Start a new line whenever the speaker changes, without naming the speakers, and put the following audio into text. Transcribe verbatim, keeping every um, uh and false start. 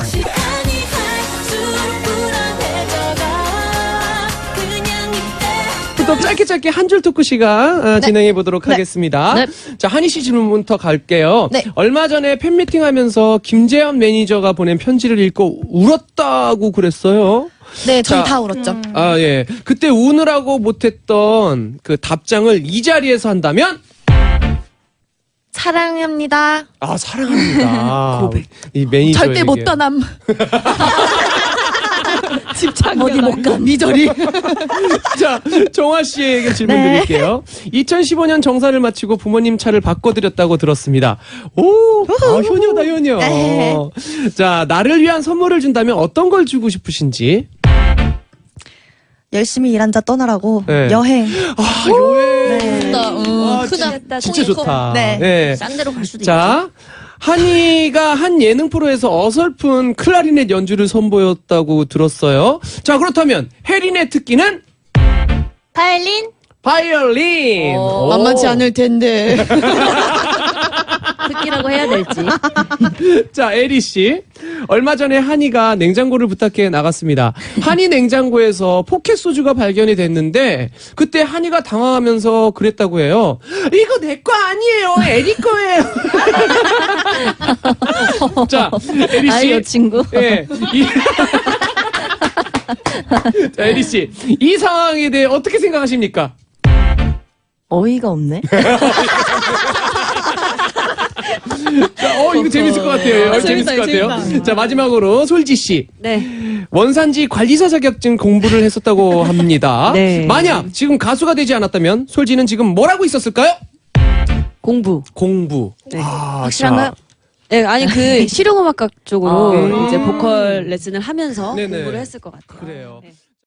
시간이 갈수록 불안해져가 그냥 이때
또 짧게 짧게 한 줄 토크 시간 어, 진행해 보도록
네.
하겠습니다.
네.
자, 한희 씨 질문부터 갈게요.
네.
얼마 전에 팬미팅 하면서 김재현 매니저가 보낸 편지를 읽고 울었다고 그랬어요.
네, 저희
자,
다 울었죠.
아, 예. 그때 우느라고 못했던 그 답장을 이 자리에서 한다면?
사랑합니다.
아, 사랑합니다. 이 매니저.
절대 못 떠남. 집착 어디 못 가. 미저리.
자, 정화 씨에게 질문
네.
드릴게요. 이천십오 년 정사를 마치고 부모님 차를 바꿔드렸다고 들었습니다. 오, 아, 효녀다, 효녀.
네.
자, 나를 위한 선물을 준다면 어떤 걸 주고 싶으신지?
열심히 일한 자 떠나라고
네.
여행.
아, 여행.
네.
와,
크다.
진짜 좋다.
네.
네.
싼 데로 갈 수도
자, 한이가 한 예능 프로에서 어설픈 클라리넷 연주를 선보였다고 들었어요. 자, 그렇다면 혜린의 특기는
바이올린?
바이올린.
어,
오.
만만치 않을 텐데.
특기라고 해야 될지.
자, 에리 씨. 얼마 전에 한이가 냉장고를 부탁해 나갔습니다. 한이 냉장고에서 포켓 소주가 발견이 됐는데 그때 한이가 당황하면서 그랬다고 해요. 이거 내 거 아니에요. 에리 거예요. 자, 에리 씨.
아이, 친구.
예. 이... 자, 에리 씨. 이 상황에 대해 어떻게 생각하십니까?
어이가 없네.
자, 어, 이거 재밌을 것 같아요. 어, 재밌을 것 같아요. 자, 마지막으로 솔지 씨.
네.
원산지 관리사 자격증 공부를 했었다고 합니다.
네.
만약 지금 가수가 되지 않았다면 솔지는 지금 뭘 하고 있었을까요?
공부.
공부.
네.
아,
확실한가요?
자.
네, 아니 그 실용음악학 쪽으로
아.
이제 보컬 레슨을 하면서
네네.
공부를 했을 것 같아요.
그래요.
네.